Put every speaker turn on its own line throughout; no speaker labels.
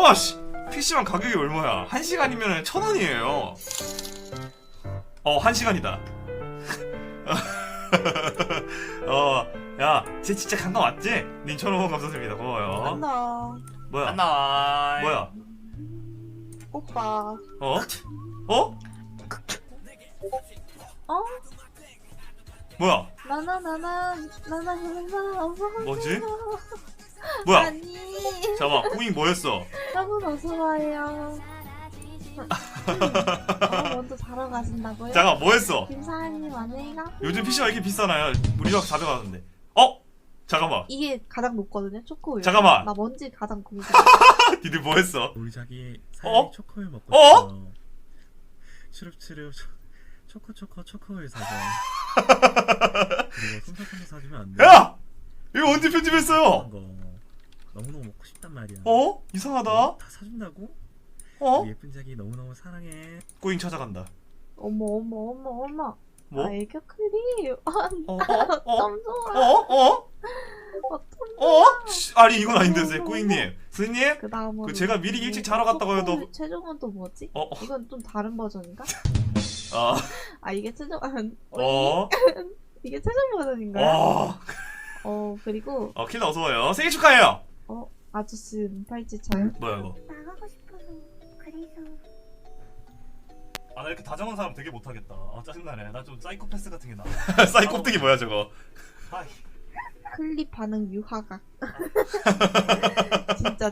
잠깐만 씨. PC방 가격이 얼마야? 1시간이면 1,000원이에요. 1시간이다. 야, 쟤 진짜 간거 맞지? 님 1,000원 감사드립니다. 고마워요.
간다.
뭐야?
안나.
뭐야?
오빠.
어? 어?
어?
뭐야?
나나
뭐지? 뭐야?
아니.
잠깐만, 꾸잉 뭐였어?
여러분 어서 와요. 먼저 자러 가신다고요?
잠깐, 뭐했어?
김사장님 안녕히가.
요즘 PC가 왜 이렇게 비싸나요? 우리가 가져가는데. 어? 잠깐만.
이게 가장 높거든요. 초코우유.
잠깐만.
나 먼지 가장 고민.
니들 뭐했어?
우리 자기
어?
사이 초코우유 먹고
어?
싶어. 추릅추릅 초코우유 사줘. 그리고 솜사탕도 사주면 안 돼?
야! 이거 언제 편집했어요?
그런 거 너무너무 먹고 싶단 말이야.
이상하다.
다 사준다고?
어?
우리 예쁜 자기 너무너무 사랑해.
꾸잉 찾아간다.
어머.
뭐?
아, 애교 클립.
어?
좀 좋아.
아니 이건 아닌데 꾸잉님. 스님?
그 다음은
그 제가 미리 일찍 자러 갔다고 해도
최종은 또 뭐지?
어?
이건 좀 다른 버전인가?
아,
아 이게 최종 이게 최종 버전인가요? 그리고
킬러 어서와요. 생일 축하해요.
아저씨 팔찌 차요?
뭐야 이거?
나가고 싶어서 그래서
아 나 이렇게 다정한 사람 되게 못하겠다. 짜증나네. 나 좀 사이코패스 같은 게 나와. 사이코뜨기 뭐야 저거?
클립 반응 유화각. 진짜.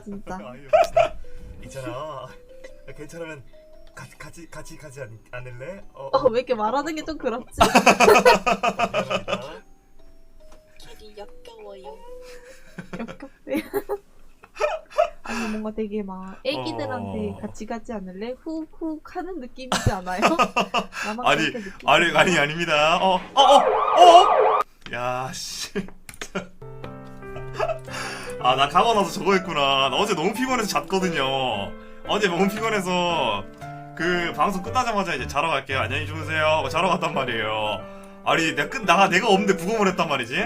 있잖아. 괜찮으면 같이 않을래?
왜 이렇게 말하는 게 좀 그렇지?
미안합니다.
길이 역겨워요.
역겹대. 아니 뭔가 되게 막 애기들한테 같이 가지 않을래? 훅훅 하는 느낌이지 않아요? 나만
아니,
그렇게 느끼지
아니 아닙니다. 야 씨. 아 나 가고 나서 저거 했구나. 나 어제 너무 피곤해서 잤거든요. 어제 너무 피곤해서 그 방송 끝나자마자 이제 자러 갈게요. 안녕히 주무세요. 하고 자러 갔단 말이에요. 아니 내가 없는데 부검을 했단 말이지.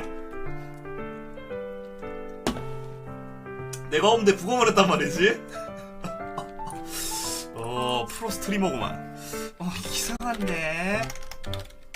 내가 없는데 부검을 했단 말이지. 프로 스트리머구만. 이상한데.